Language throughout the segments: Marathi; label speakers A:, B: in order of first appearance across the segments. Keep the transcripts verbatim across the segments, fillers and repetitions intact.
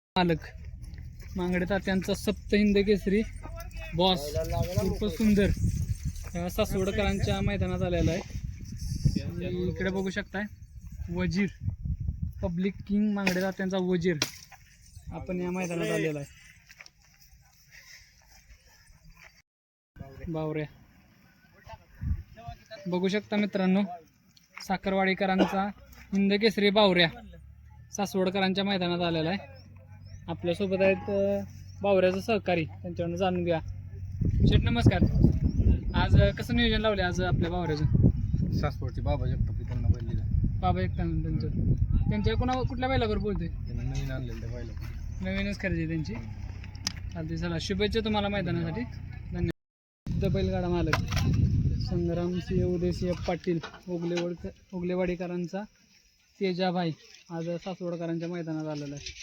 A: मालक मांगडे तात्यांचा सप्तहिंद केसरी बॉस खूप सुंदर या सासवडकरांच्या मैदानात आलेला आहे। आणि इकडे बघू शकताय वजीर पब्लिक किंग मांगडे तात्यांचा वजीर आपण या मैदानात आलेला आहे। बावऱ्या बघू शकता मित्रांनो, साखरवाडीकरांचा हिंद केसरी बावऱ्या सासवडकरांच्या मैदानात आलेला आहे। आपल्यासोबत आहेत बावऱ्याचं सहकारी, त्यांच्याकडून जाणून घ्या। शेठ नमस्कार, आज कसं नियोजन लावले आज आपल्या बावऱ्याचं?
B: सासवडचे बाबा जगताप त्यांना बैल
A: बाबा एक त्यांचं त्यांच्या कोणा कुठल्या बैलावर बोलते?
B: नवीन आणलेलं त्या बैला
A: नवीनच खरेदी त्यांची। चालते, चला शुभेच्छा तुम्हाला मैदानासाठी, धन्यवाद। बैलगाडा मालक संग्राम सिंह उदयसिंह पाटील ओगलेवाड ओगलेवाडीकरांचा तेजाभाई आज सासवडकरांच्या मैदानात आलेला आहे।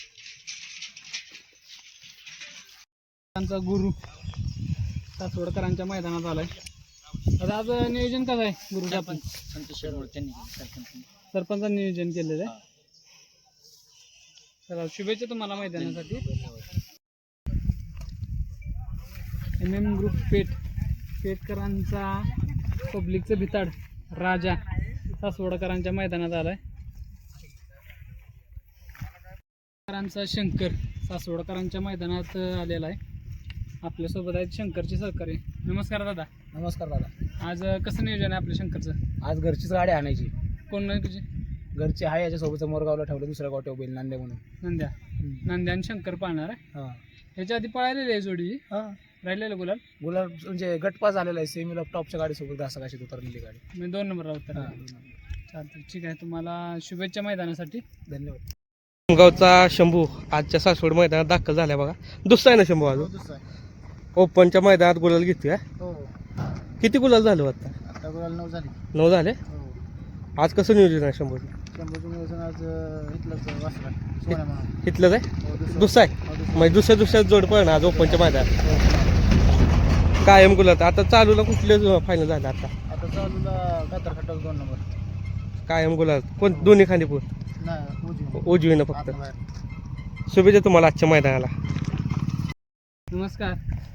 A: त्यांचा गुरु सासवडकरांच्या मैदानात आलाय। आता आज नियोजन कसं आहे गुरुचं? आपण सरपंचांनी नियोजन केलेलं आहे। चला शुभेच्छा तुम्हाला मैदानासाठी। एम एम ग्रुप पेठ पेठकरांचा पब्लिकचं भिताड राजा सासवडकरांच्या मैदानात आलाय। करांचा शंकर सासवडकरांच्या मैदानात आलेला आहे। आपल्यासोबत आहेत शंकरचे सहकारी। नमस्कार दादा।
B: नमस्कार दादा।
A: आज कसं नियोजन आहे आपल्या शंकरचं?
B: आज घरचीच गाडी आणायची।
A: कोण नाही तुझी?
B: घरची आहे, याच्यासोबत मोरगावला ठेवलं दुसऱ्या गावठ्या बैल नांद्या म्हणून।
A: नंद्या नंद्या आणि शंकर पाळणार आहे।
B: हां,
A: ह्याच्या आधी पळालेली आहे जोडी?
B: हां,
A: राहिलेलं गुलाल
B: गुलाब म्हणजे गटपास झालेला आहे। सेमीला टॉपच्या गाडीसोबत घासाघाशीत उतरलेली गाडी।
A: मी दोन नंबर राहतो। चालतं, ठीक आहे। तुम्हाला शुभेच्छा मैदानासाठी,
B: धन्यवाद।
C: गावचा शंभू आजच्या सासवड मैदानात दाखल झाल्या बघा। दुसरा आहे ना शंभू? अजून ओपनच्या मैदानात गुलाल घेतोय।
B: हो,
C: किती गुलाल झालं आता?
B: आता गुलाल नऊ झाली।
C: नऊ झाले।
B: हो,
C: आज कसं नियोजन आहे शंभूचं?
B: शंभूचं नियोजन आज इथलंच वासरा सोन्या म्हणून।
C: इथलंच आहे? दुसरा आहे म्हणजे दुसऱ्या दुसऱ्या जोड पण आज ओपनच्या मैदानात कायम गुलाल। आता चालूला कुठले फायनल झालं? आता
B: आता चालूला कातर खटाव दोन नंबर
C: कायम गुलाल कोण? दोन्ही खांदीपूर
B: नाही, उजवी
C: उजवीनं फक्त।
B: आतनं बाहेर।
C: शुभेच्छा तुम्हाला आजच्या मैदानाला।
A: नमस्कार।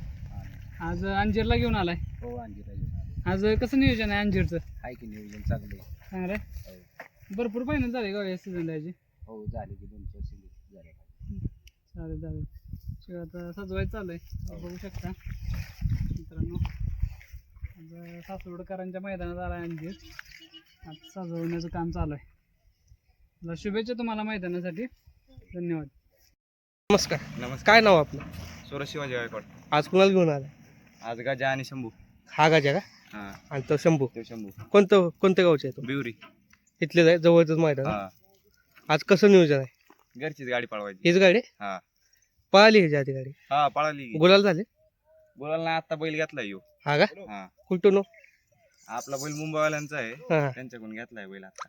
A: आज अंजीरला घेऊन आलाय।
B: हो, अंजीर
A: आज कसं नियोजन आहे अंजीरचं?
B: आहे की नियोजन चांगलं आहे।
A: चांगलं आहे। भरपूर फायनल झाले का या सीझन द्यायची?
B: हो, झाले की दोन चार सिंगल झाले।
A: चालेल चालेल, ठीक आहे। आता सजवायचं चालू आहे, बघू शकता मित्रांनो। आज सासवडकरांच्या मैदानात आला आहे अंजीर, आज सजवण्याचं काम चालू आहे। मला शुभेच्छा तुम्हाला मैदानासाठी, धन्यवाद।
C: नमस्कार।
D: नमस्कार।
C: काय नाव आपलं?
D: सोरा शिवाजी गायकवाड।
C: आज कुणाला घेऊन आलाय?
D: आज गाजा आणि शंभू।
C: हा गाजा का?
D: हा,
C: आणि तो शंभू
D: तो शंभू
C: कोणतं कोणत्या गावचे आहे? तो
D: बिवरी।
C: इथलेच आहे, जवळच मैदान आहे?
D: हा,
C: आज कसं नियोजन आहे?
D: घरचीच गाडी पळवायची।
C: हीच गाडी
D: हा
C: पळाली ह्याच्या आधी गाडी?
D: हा, पळाली की।
C: गुलाल झाले?
D: बोलायला ना आता बैल घेतलाय यो।
C: हा का?
D: हा,
C: कुठून हो?
D: आपला बैल मुंबईवाल्यांचा आहे,
C: हा,
D: त्यांच्याकडून घेतलाय बैल। आता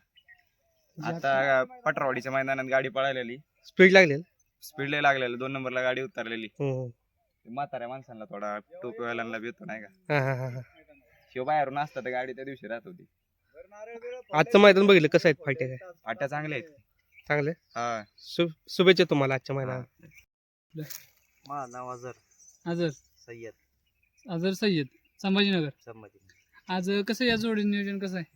D: आता पटरवाडीच्या मैदानात गाडी पळालेली,
C: स्पीड लागलेल?
D: स्पीड लय लागलेलं, दोन नंबरला गाडी उतरलेली।
C: हम्म.
D: म्हाताऱ्या माणसांना थोडा टोपीवाल्यांना भेटतो नाही का,
C: हा हा हा हा.
D: शिव बाहेरून असता तर गाडी त्या दिवशी राहत होती।
C: आजचं मैदान बघितलं कसं आहे? फाटे काय
D: फाट्या चांगल्या आहेत।
C: चांगले?
D: हा,
C: शु शुभेच्छा तुम्हाला आजच्या मैदानात।
B: माझं नाव अजर
A: आजर
B: सय्यद
A: आजर सय्यद संभाजीनगर।
B: संमती।
A: आज कसं या जोडी नियोजन कसं आहे?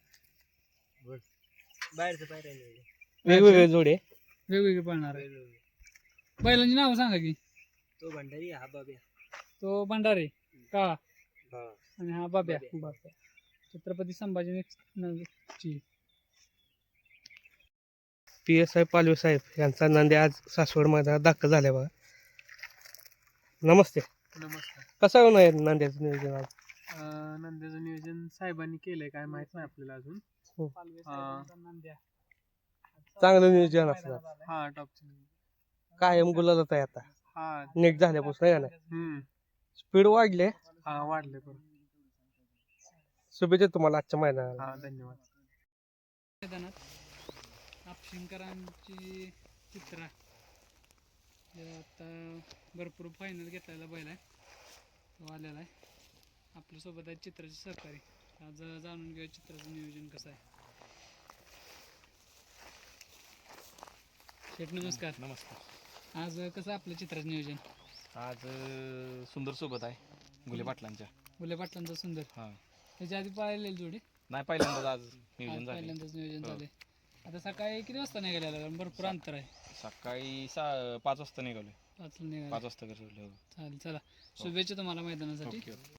B: बाहेरचं बाहेर
C: वेगवेगळे जोडे
A: वेगवेगळे पळणार आहे। बैलांची नावं सांगा की?
B: तो भंडारी, हा बाब्या।
A: तो भंडारे काळा
B: हा,
A: आणि हा बाब्या बाब्या छत्रपती संभाजीनगरची।
C: पी एस आय पालवे साहेब यांचा नांदे आज सासवड मैदानात दाखल झाल्या बघा। नमस्ते।
A: नमस्कार।
C: कसं होणार आहे नांद्याचं नियोजन आज?
A: नंद्याचं नियोजन साहेबांनी केलंय, काय माहित नाही आपल्याला अजून।
C: हो.
A: नंद्या
C: चांगलं नियोजन असणार।
A: हा, टॉप
C: कायम गुलालच आहे आता
A: हा
C: नेट झाल्यापासून आहे ना?
A: हम्म
C: स्पीड वाढले।
A: हा, वाढले पण।
C: शुभेच्छा तुम्हाला आजच्या मैदानाला।
A: हा, धन्यवाद। मैदानात आपशिंकरांची चित्रा आता भरपूर फायनल घेतलेला बैल आहे, तो आलेला आहे। आपल्यासोबत आहे चित्राचे सहकारी, आज जाणून घेऊया चित्राचं नियोजन कसं आहे। शेठ नमस्कार।
D: नमस्कार।
A: आज कसं आपलं चित्राचं नियोजन?
E: आज अं, सुंदर सोबत आहे गुले पाटलांच्या.
A: गुले पाटलांचं सुंदर.
E: हा
A: त्याच्या आधी पाहिलेली जोडी?
E: नाही पहिल्यांदाच आज
A: आज
E: नियोजन झाले.
A: पहिल्यांदाच नियोजन
E: हो.
A: झाले. आता सकाळी किती वाजता निघालेला? कारण भरपूर अंतर आहे.
E: सकाळी सा पाच वाजता निघालोय.
A: पाचला निघाले.
E: पाच वाजता घर सोडलं. हो.
A: चालेल, चला शुभेच्छा तुम्हाला मैदानासाठी.
E: Okay okay.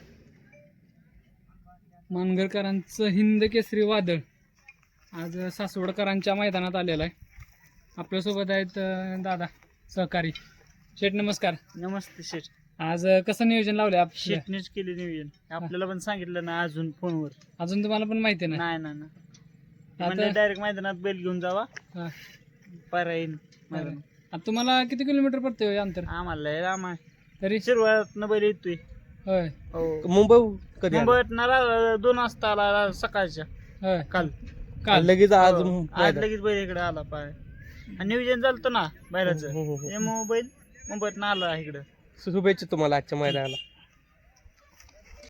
A: मानगरकरांचं हिंद केसरी वादळ आज सासवडकरांच्या मैदानात आलेलं आहे. आपल्यासोबत आहेत अं, दादा सहकारी. शेठ नमस्कार.
F: नमस्ते शेठ.
A: आज अं, कसं नियोजन लावलंय आप
F: शेठनेच केले नियोजन. आपल्याला पण सांगितलं ना अजून फोनवर.
A: अजून तुम्हाला पण माहिती नाही?
F: नाही ना ना
A: आता
F: डायरेक्ट मैदानात बैल घेऊन जावा
A: हा.
F: पारायण मैदान.
A: आता तुम्हाला किती किलोमीटर पडते हो अंतर
F: आम्हाला लय लांब आहे.
A: तरी?
F: सुरुवात बाई येतोय.
A: होय
F: हो
C: मुंबई कधी आला?
F: मुंबईत ना रा- दोन वाजता आला सकाळच्या
A: होय.
F: काल.
A: काल
C: लगेच आज
F: हो.
C: मैदान.
F: आज लगेच बैल इकडे आला पाय. आणि नियोजन झालं ना बैलाचं.
C: हो, हो, हो.
F: त्यामुळे बैल मुंबईत ना आला इकडं.
C: शुभेच्छा तुम्हाला आजच्या मैदानाला.